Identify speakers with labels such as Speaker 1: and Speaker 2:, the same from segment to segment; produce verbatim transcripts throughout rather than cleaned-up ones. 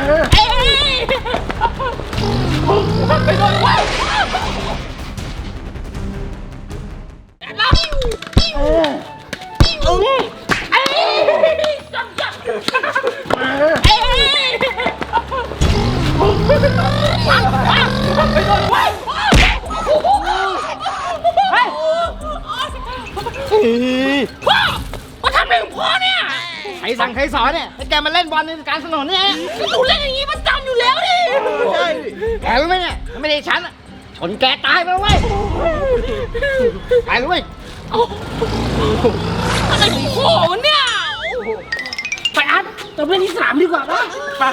Speaker 1: เอ้ยไปโดนไว้เราเออเอ้ยเอ้ยจับจับเอ้ยไปโดนไว้พ่อมาทำอะไรของพ่อเนี่ยใครสั่งใครสอนเนี่ยให้แกมาเล่นบอลในการถนนเนี่ยหนูเล่นอย่างนี้มันจำอยู่แล้วดิใช่แกรู้ไหมเนี่ยไม่ได้ฉันชนแกตายไปแล้วเว้ยตายเลยเว้ยอะไรของพ่อวะเนี่ยไปอัดเราเล่นที่สนามดีกว่าป่ะไป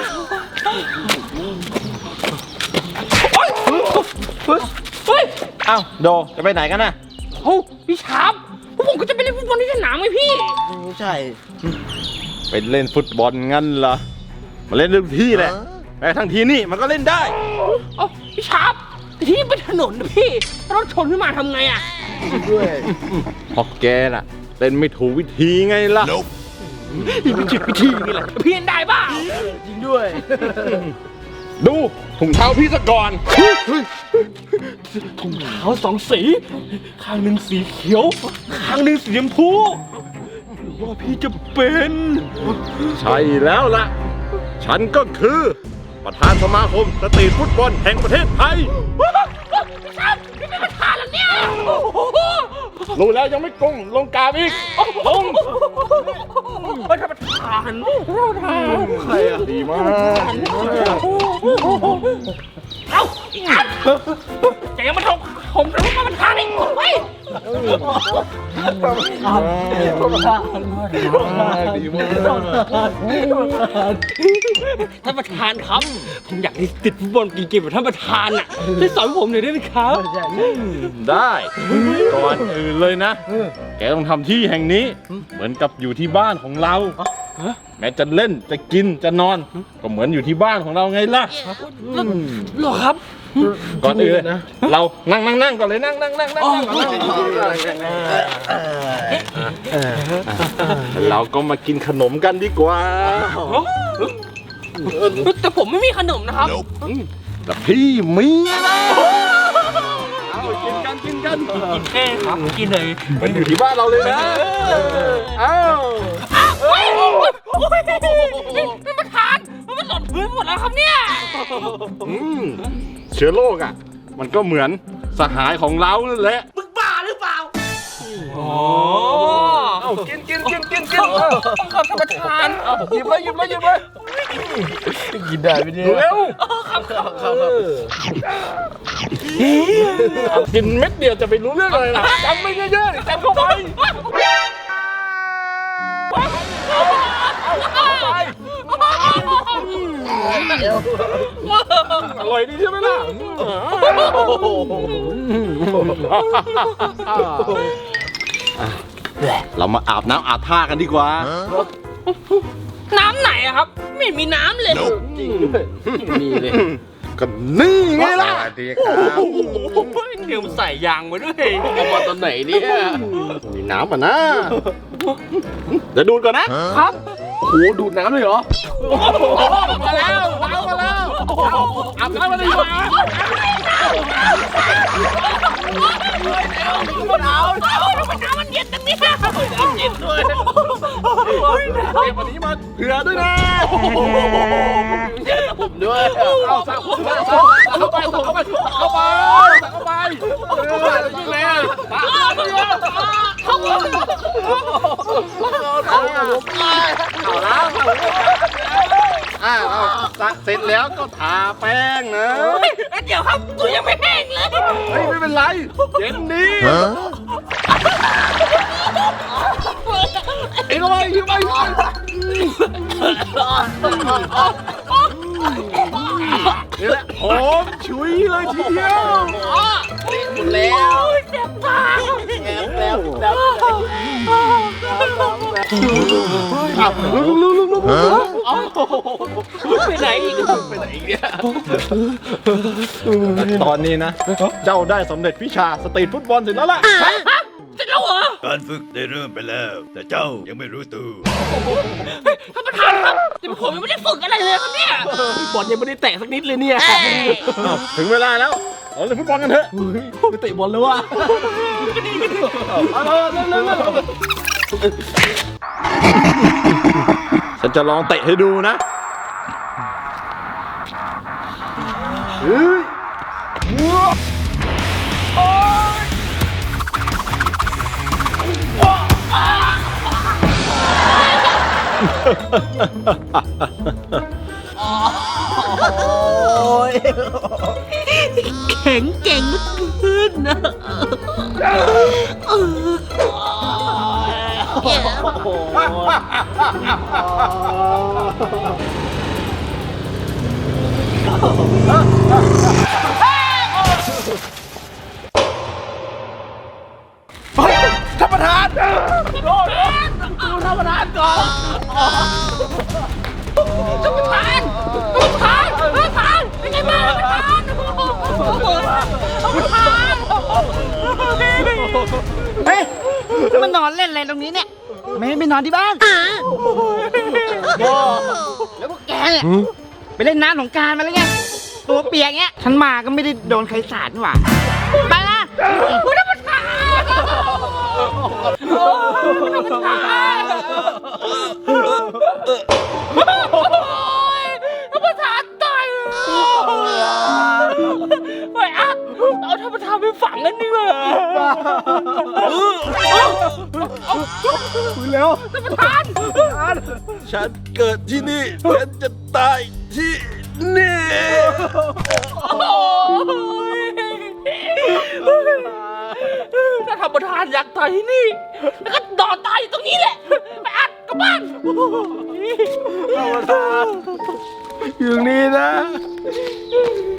Speaker 1: เฮ้ย
Speaker 2: อ้าวโดจะไปไหนกันน่ะ
Speaker 1: โอ้พี่ชาร์ปพวกผมก็จะไปเล่นฟุตบอลที่สนามไงพี่
Speaker 2: ไม่ใช่ไปเล่นฟุตบอลงั้นเหรอมาเล่นเรื่องที่แหละแต่ทั้งทีนี่มันก็เล่นได้
Speaker 1: โอ้พี่ชาร์ปแต่ที่นี่เป็นถนนนะพี่รถชนขึ้นมาทำไงอ่ะ
Speaker 2: ด้วยพอแกน่ะเล่นไม่ถูกวิธีไงล่ะ
Speaker 1: วิธีวิธีนี่แหละพี่เล่นได้ป่ะ
Speaker 2: จริงด้วยดูถุงเท้าพี่ซะก่อน
Speaker 1: ถุงเท้าสองสีข้างหนึ่งสีเขียวข้างหนึ่งสีชมพูหรือว่าพี่จะเป็น
Speaker 2: ใช่แล้วล่ะฉันก็คือประธานสมาคมสตรีทฟุตบอลแห่งประเทศไทย
Speaker 1: พี่ชาร์ปพี่เป็นประธานแล้วเนี่ย
Speaker 2: รู้แล้วยังไม่กงลงกาบอีกลง
Speaker 1: ประธานประธาน
Speaker 2: ใครอะดีมาก
Speaker 1: เอ้าแกยังมาทำผมจะมาประธานอีกเฮ้ย
Speaker 2: ดีมาก
Speaker 1: ท่านประธานครับผมอยากติดฟุตบอลเก่งๆแบบท่านประธานอ่ะช่วยสอนผมหน่อยได้ไหมครับ
Speaker 2: ได้ก่อนอื่นเลยนะแกต้องทำที่แห่งนี้เหมือนกับอยู่ที่บ้านของเราแม้จะเล่นจะกินจะนอนก็เหมือนอยู่ที่บ้านของเราไงล่ะ
Speaker 1: หรอครับ
Speaker 2: ก่อนอื่นนะเรานั่งนั่งนั่งก่อนเลยนั่งนั่งนั่งนั่งเราก็มากินขนมกันดีกว่า
Speaker 1: แต่ผมไม่มีขนมนะครับ
Speaker 2: แต่พี่มีนะกินกันกินกัน
Speaker 1: กินแค่ครับกินเลย
Speaker 2: มันอยู่ที่บ้านเราเลยนะอ้าว
Speaker 1: ท่านประธานมันหล่นพื้นหมดแล้วครับเนี่ย
Speaker 2: เชื้อโรคอ่ะมันก็เหมือนสหายของเรานั่นแหละ
Speaker 1: มึงบ้าหรือเปล่า
Speaker 2: อ๋อเอากินกินกินกินกิน
Speaker 1: ขอบท่านประธาน
Speaker 2: หยิบเลยหยิบเลยหยิบเลยกินได้ไหมเนี่ยเร็ว
Speaker 1: ครับครับครับ
Speaker 2: กินเม็ดเดียวจะไปรู้เรื่องอะไรล่ะจำไม่เยอะๆจำเข้าไปอร่อยดีใช่ไหมล่ะเรามาอาบน้ำอาบท่ากันดีกว่า
Speaker 1: น้ำไหนอะครับไม่มีน้ำเลย
Speaker 2: จริงด้วยมีเลยก็นี่ไงล่ะ
Speaker 3: สวัสดีครับ
Speaker 1: เดี๋ยวใส่ยางมาด้วย
Speaker 2: เอามาตอนไหนเนี่ยมีน้ำอ่ะนะเดี๋ยวดูก่อนนะครับโหดูดน้ำเลยเหรอมาแล้วน้ำมาแล้วอาบน้ำมาเลยดีกว่า
Speaker 1: น้ำน้ำมันเย็นตรงนี้น้ำเย็นด้วย
Speaker 2: เก็บวันนี้มาเผื่อด้วยนะผมด้วยเอาสาวเข้าไปเข้าไปเข้าไปเข้าไปเข้าไปยิ่งแรงเข้าไปเอาแล้วอ้าวเสร็จแล้วก็ทาแป้งนะ
Speaker 1: เดี๋ยวครับตัวยังไม่แห้งเลย
Speaker 2: เฮ้ยไม่เป็นไรเย็นดีไอ้ลอยอยู่ไปนี่แหละหอมฉุยเลยทีเดียว
Speaker 1: หมดแล้วเจ็บปาก
Speaker 2: แล้วแล้วอ้าวลุกลุกลุกลุก
Speaker 1: ไปไหนอีกไปไหนอีกเนี่ย
Speaker 2: ตอนนี้นะเจ้าได้สำเร็จวิชาสตรีทฟุตบอลเสร็จแล้วล่ะ
Speaker 1: เสร็จแล้ว
Speaker 3: แล้วเหรอ
Speaker 4: การฝึกได้เริ่มไปแล้ว แต่เจ้ายังไม่รู้ตัว
Speaker 3: ท่านประธานครับแต่ผมยังไม่ได้ฝึกอะไรเลยครับเนี่ยบอลยังไม่ได้แตะสักนิดเลยเนี่ย
Speaker 2: อ้าวถึงเวลาแล้วเราเล่นฟุตบอลกันเถอะ
Speaker 3: ไปเตะบอลแล้วว่ะก็ดีก็ดีเอาเลยเร็วเร็วเร็ว
Speaker 2: ฉันจะลองเตะให้ดูนะ
Speaker 3: แข็งเก่งขึ้นนะ
Speaker 1: ท่านประธาน
Speaker 3: ดูท่านประธานก่อนท่านประธานท่านประธานท่านประธานเป็นไงบ้างท่านประธานท่านประธาน
Speaker 1: เฮ้ยจะมานอนเล่นอะไรตรงนี้เนี่ย ไม่ให้ไปนอนที่บ้าน แล้วพวกแกเนี่ยไปเล่นน้ำสงกรานต์มาแล้วไง ตัวเปียกเงี้ย ฉันมาก็ไม่ได้โดนใครสาดนี่หว่า ไปนะคุณท่านประธานท่านประธานท่านประธานตายไปอ่ะเอาท่านประธานไปฝังกันดีกว่าเร็วท่านประธาน
Speaker 4: ฉันเกิดที่นี่ฉันจะตายที่นี่
Speaker 3: ถ้าท่านประธานอยากตายที่นี่แล้วก็นอนตายอยู่ตรงนี้แหละไปอัดกลับบ้าน
Speaker 4: อยู่นี่นะ